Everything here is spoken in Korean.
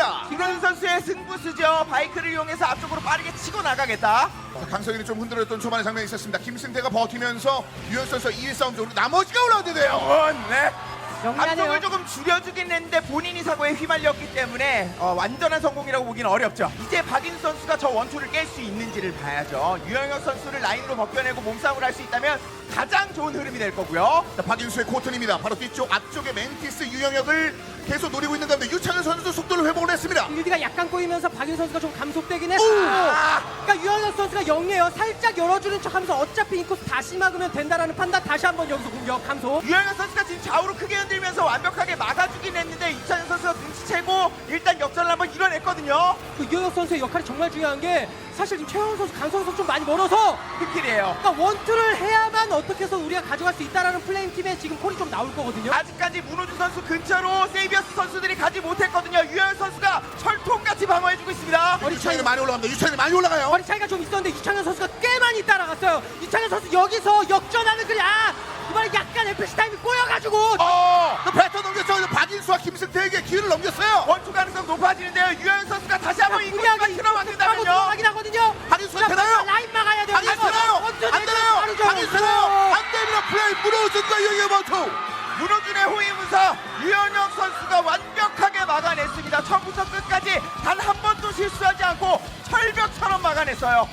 있습니다. 김현 선수의 승부수죠. 바이크를 이용해서 앞쪽으로 빠르게 치고 나가겠다. 자, 강성일이 좀 흔들었던 초반의 장면이 있었습니다. 김승태가 버티면서 유현 선수가 2위 싸움 쪽으로 나머지가 올라오는데요. 네. 영리하네요. 앞쪽을 조금 줄여주긴 했는데 본인이 사고에 휘말렸기 때문에 완전한 성공이라고 보기는 어렵죠. 이제 박인수 선수가 저 원투를 깰 수 있는지를 봐야죠. 유영혁 선수를 라인으로 벗겨내고 몸싸움을 할 수 있다면 가장 좋은 흐름이 될 거고요. 자, 박인수의 코튼입니다. 바로 뒤쪽 앞쪽에 멘티스 유영혁을 계속 노리고 있는 가운데 유창현 선수도 속도를 회복을 했습니다. 빌드가 약간 꼬이면서 박윤 선수가 좀 감속되긴 했어요. 그러니까 유현석 선수가 영리해요. 살짝 열어주는 척하면서 어차피 인코스 다시 막으면 된다라는 판단. 다시 한번 여기서 공격 감속. 유영혁 선수가 지금 좌우로 크게 흔들면서 완벽하게 막아주긴 했는데 이찬현 선수가 눈치채고 일단 역전을 한번 이뤄냈거든요. 그 유현석 선수의 역할이 정말 중요한 게 사실 지금 최영 선수, 강성 선수 좀 많이 멀어서 흑킬이에요. 그러니까 원투를 해야만 어떻게 해서 우리가 가져갈 수 있다라는 플레임 팀에 지금 콜이 좀 나올 거거든요. 아직까지 문호준 선수 근처로 세이비어스 선수들이 가지 못했거든요. 유영혁 선수가 철통같이 방어해주고 있습니다. 머리 유창현이 많이 올라갑니다. 유창현이 많이 올라가요. 거리 차이가 좀 있었는데 유창현 선수가 꽤 많이 따라갔어요. 유창현 선수 여기서 역전하는 그냥 이번에 약간 FC 타임이 꼬여가지고 또 배터 넘겼죠. 박인수와 김승태에게 기회를 넘겼어요. 원투 가능성 높아지는데요. 유영혁 선수가 다시 한번 인코스가 무리하게 들어맞는다면요. 들어가긴 하거든요. 박인수가 되나요? 라인 막아야 돼요. 박인수 되나요? 안 되나요? 박인수 되나요? 안 됩니다. 플레이 문호준과 유영혁 원투. 문호준의 호위무사 유현혁 선수가 완벽하게 막아냈습니다. 처음부터 끝까지 단 한 번도 실수하지 않고 철벽처럼 막아냈어요.